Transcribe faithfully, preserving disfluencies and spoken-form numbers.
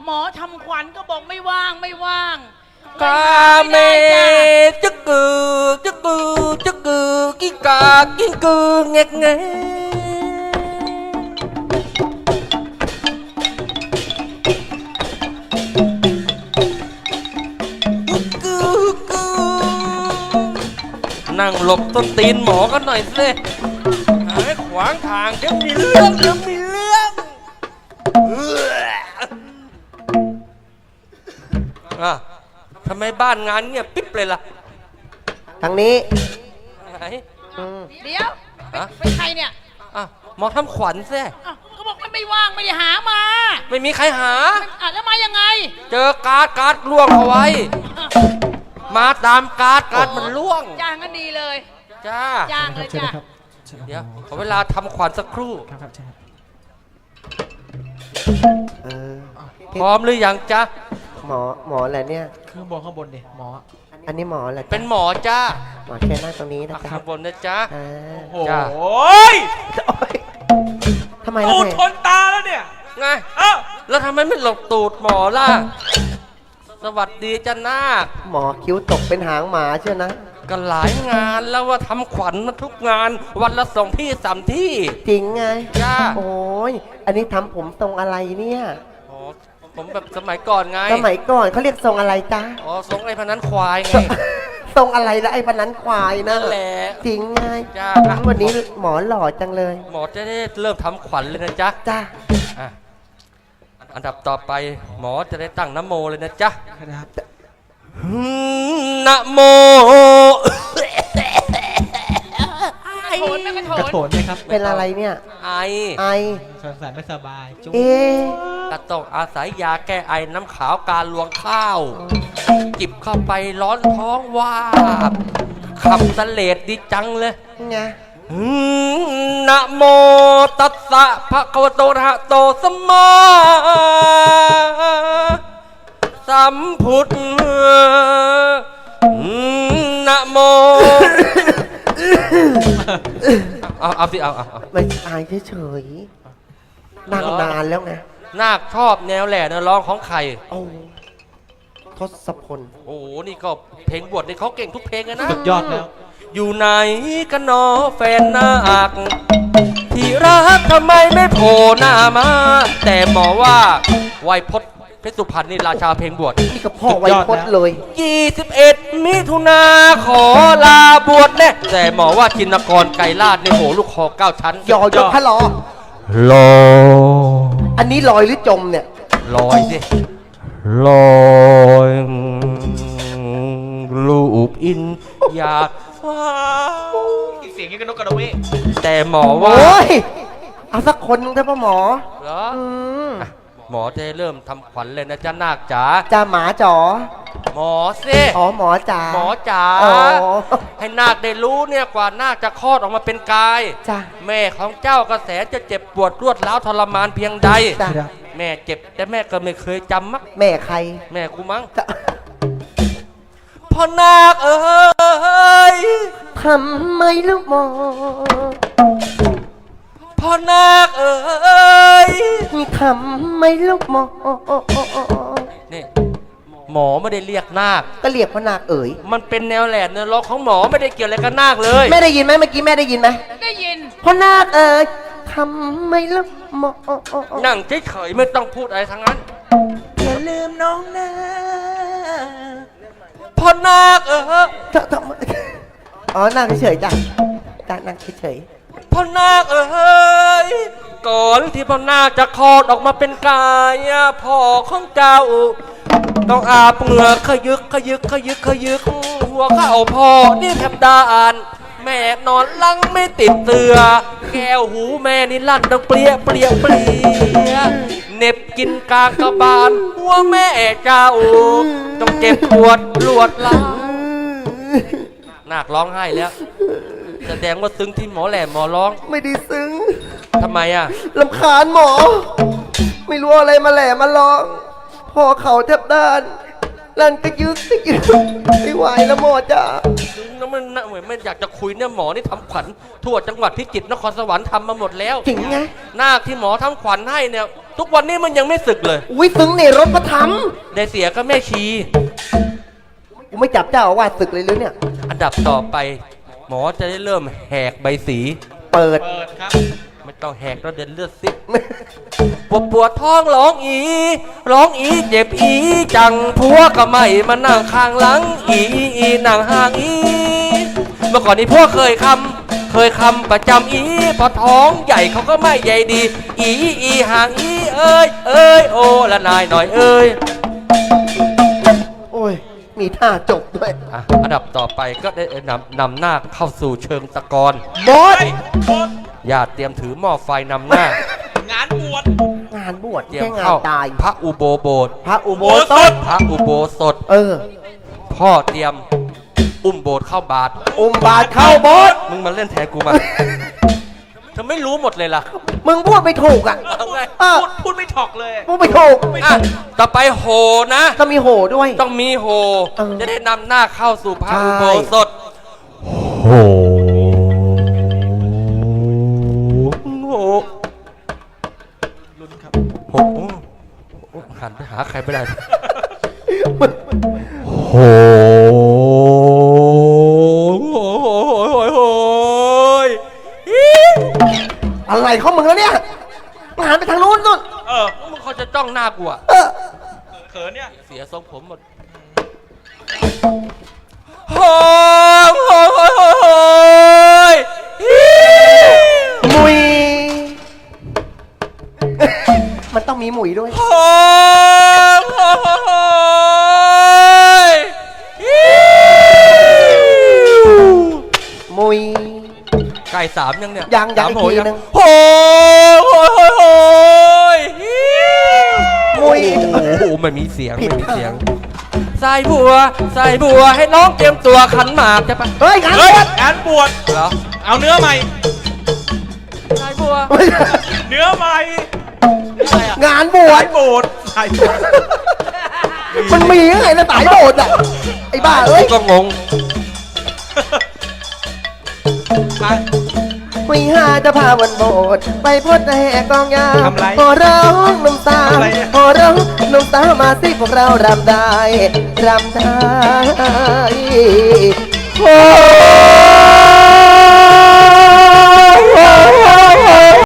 หมอทำขวัญก็บอกไม่ว่างไม่ว่างกาเมจึกกือจึกกือจึกกือกิ้งกากิ้งกือเงกเงนั่งหลบต้นตีนหมอกันหน่อยสิหายขวางทางเดี๋ยวมีเรื่องเดี๋ยวมีเรื่องอ่ะทำไมบ้านงานเงียบปิ๊บเลยล่ะทางนี้ไหนเดี๋ยวเป็นใครเนี่ยอ่ะหมอทำขวัญสิก็บอกว่าไม่ว่างไม่ได้หามาไม่มีใครหาอ่ะแล้วมายังไงเจอการ์ดการ์ดล่วงเอาไว้มาตามการ์ดการ์ดมันล่วงจ้างกันดีเลยจ้าจ้างเลยจ้าเดี๋ยวขอเวลาทำขวัญสักครู่ครับใช่พร้อมหรือยังจ๊ะหมอหมออะไรเนี่ยข้างบนข้างบนดิหมออันนี้หมออะไรเป็นหมอจ้าหมอแค่นั่งตรงนี้นะข้างบนนะจ๊ะโอ้ยทำไมล่ะตูดทนตาแล้วเนี่ยไงเอ้าแล้วทำไมไม่หลบตูดหมอล่ะสวัสดีจ้านาคหมอคิ้วตกเป็นหางหมาเชียวนะก็หลายงานแล้วว่าทำขวัญมาทุกงานวันละสองที่สามที่จริงไงจ้าโอ้ยอันนี้ทำผมทรงอะไรเนี่ยอ๋อผมแบบสมัยก่อนไงสมัยก่อนเขาเรียกทรงอะไรจ้าอ๋อทรงไอ้พนันควายไงทรงอะไรละไอ้พนันควายนะแหละจริงไงจ้าวันนี้หมอหล่อจังเลยหมอจะได้เริ่มทำขวัญเลยนะจ๊ะจ้าอันดับต่อไปหมอจะได้ตั้งนโมเลยนะจ๊ะนะโมโถนไม่กระโถนกระโถนไหมครับเป็นอะไรเนี่ยไอไอสงสัยไม่สบายจุ๊บเอ๊ะก็ต้องอาศัยยาแก้ไอน้ำขาวการลวงข้าวจิบเข้าไปร้อนท้องว่าขับเสลดดีจังเลยไงนะโมตัสสะภะคะวะโตอะระหะโตสัมมาสัมพุทธนะโมเอาเอาสิเอาเอาไม่อายเฉยๆนั่งนานแล้วไงนาคชอบแนวแหล่แนวร้องของใครโอ้ทศพลโอ้นี่ก็เพลงบวชนี่เขาเก่งทุกเพลงนะสุดยอดแล้วอยู่ไหนกันนอแฟนนาคที่รักทำไมไม่โผล่หน้ามาแต่หมอว่าไวยพจน์เพชรสุพรรณนี่ราชาเพลงบวชนี่ก็พ่อไวยพจน์เลยยี่สิบเอ็ดมิถุนาขอลาบวชแน่แต่หมอว่าจินกรไกรลาดในโหลูกคอเก้าชั้นยอยกพะลอลออันนี้ลอยหรือจมเนี่ยลอยสิลอยลูกอินอยากฟ้าเสียงยังกระนกกระเวกแต่หมอว่าโอ้ยเอาสักคนนึงได้ป่ะหมอเหรอหมอจะเริ่มทำขวัญเลยนะจ้านาคจ๋าจ้าหมาจ๋อหมอสิอ๋อหมอจ๋าหมอจ๋าให้นาคได้รู้เนี่ยกว่านาคจะคลอดออกมาเป็นกายจ้าแม่ของเจ้ากระแสจะเจ็บปวดรวดร้าวทรมานเพียงใดแม่เจ็บแต่แม่ก็ไม่เคยจำมั้งแม่ใครแม่กูมั้งพ่อนาคเอ้ยทำไมลูกหมอพ่อนาคเอ้ยทำไมลูกหมอนี่หมอไม่ได้เรียกนาคก็เรียกพ่อนาคเอ๋ยมันเป็นแนวแหลมแนวร้องของหมอไม่ได้เกี่ยวอะไรกับนาคเลยแม่ได้ยินไหมเมื่อกี้แม่ได้ยินไหมได้ยินพ่อนาคเอ๋ยทำไมลูกหมอนั่งเฉยๆไม่ต้องพูดอะไรทั้งนั้นอย่าลืมน้องนะพ่อนาคเอออ๋อนั่งเฉยๆจ้ะจ้ะนั่งเฉยๆพ่อนาคเอ้ยก่อนที่พ่อนาคจะคลอดออกมาเป็นกายพ่อของเจ้าต้องอาบเหงื่อขยึกขยึกขยึกขยึกหัวเข้าพ่อนี่แทบด่านแม่นอนลังไม่ติดเตือแก้วหูแม่นี่ลั่นต้องเปรี้ยเปรี้ยเปรี้ยเน็บกินกลางกระบาลหัวแม่เจ้าต้องเจ็บปวดรวดร้าวนาคร้องไห้แล้วแสดงว่าซึ้งที่หมอแหลมหมอร้องไม่ได้ซึ้งทำไมอ่ะรำคาญหมอไม่รู้อะไรมาแหลมมาร้องพอเขาแทบด้านลันก็ยึกก็ยึกไม่ไหวแล้วหมอจ้าน้ำมันเหมือนไม่อยากจะคุยเนี่ยหมอนี่ทำขวัญทั่วจังหวัดพิจิตรนครสวรรค์ทำมาหมดแล้วจริงไงนาคที่หมอทำขวัญให้เนี่ยทุกวันนี้มันยังไม่สึกเลยอุ้ยซึ้งในรถพระธรรมได้เสียก็แม่ชีกูไม่จับเจ้าอาวาสศึกเลยหรือเนี่ยอันดับต่อไป หมอจะได้เริ่มแหกใบสีเปิดเปิดครับไม่ต้องแหกแล้วเดินเลือดซิปวดปวดท้องร้องอีร้องอีเจ็บอีจังผัวก็ไม่มานั่งข้างหลังอีอีนั่งห่างอีเมื่อก่อนนี้พวกเคยคำเคยคำประจำอีพอท้องใหญ่เขาก็ไม่ใหญ่ดี อีอีห่างอีเอ้ยเอ้ยโอ้ละนายหน่อยเอ้ยโอ้ย มีท่าจบด้วยอ่ะอันดับต่อไปก็ได้นำนำหน้าเข้าสู่เชิงตะกอนบอสเฮ้ยบอสญาติเตรียมถือหม้อไฟนำหน้างานบวชงานบวชเตรียมแค่งาเข้านตายพระอุโบโบสถพระอุโบโบสสถถพระอุโบสถเออพ่อเตรียมอุ้มโบสถ์เข้าบาทอุมบาทเข้าโบสถ์มึงมาเล่นแทนกูมา เธอไม่รู้หมดเลยล่ะมึงพูดไม่ถูกอ่ะเอาไงเออพูดพูดไม่ถอกเลยพูดไม่ถูกอ่ะต่อไปโหนะต้องมีโหด้วยต้องมีโหเออจะได้นำหน้าเข้าสู่พระใช่อุโบสถโหโหลุ้นครับโหโอ้หันไปหาใครไม่ได้ โหโหโหโหอะไรของมึงแล้วเนี่ยมึงหันไปทางนู้นนู่นเออมึงเขาจะจ้องหน้ากูอะเออเขินเนี่ยเสียทรงผมหมดโหโหโหโหโหยมุย มันต้องมีหมุยด้วยโหโหโหโหยมุยไก่สามยังเนี่ยยังยังสามโหอีกทีนึงโหโหโหโหยมุยโอ้โหไม่มีเสียงผิดไม่มีเสียงใส่บัวใส่บัวให้น้องเตรียมตัวขันหมากจะไปเฮ้ยงานเฮ้บยวชงานบวชเหรอเอาเนื้อใหม่ใส่บัวเนื้อใหม่อะไรอะงานบวสาชยโบสถ์สายโบสถ์มันมียังไงนะสายโบสถ์อ่ะ ไอ้บ้าเอ้ยก็งงไปคุยหาจะพาวันโบสถ์ไปพดแห่กองยาทำไรพอร้องหนุ่มสาวทำไรเนี่ยพอร้องหนุ่มสาวมาสิพวกเรารำได้รำได้โอ้